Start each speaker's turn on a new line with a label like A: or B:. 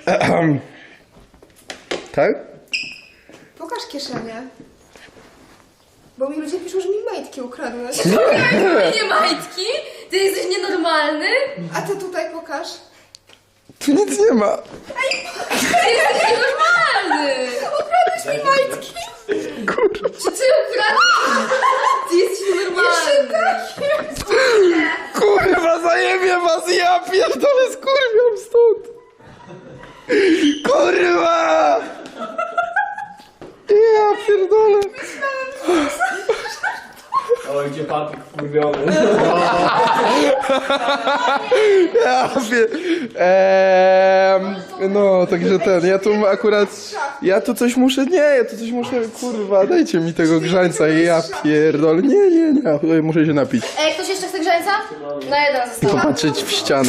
A: Tak?
B: Pokaż kieszenie. Bo mi ludzie piszą, że mi majtki ukradłeś.
C: Nie majtki? Ty jesteś nienormalny?
B: A ty tutaj pokaż.
A: Tu nic nie ma.
C: Ty jesteś nienormalny!
B: Ukradłeś mi majtki.
A: Kurwa.
C: Czy ty ukradłeś? Ty jesteś nienormalny!
A: Kurwa, zajebie was, ja pierdolę, skurwiam stąd. Kurwa! Ja pierdolę.
D: Oj, gdzie papik wkurwiony.
A: Ja no, także ja tu akurat, ja tu coś muszę, kurwa, dajcie mi tego grzańca i ja pierdolę, nie, muszę się napić.
C: Ej, ktoś jeszcze chce grzańca? Na jeden został.
A: Popatrzeć w ścianę.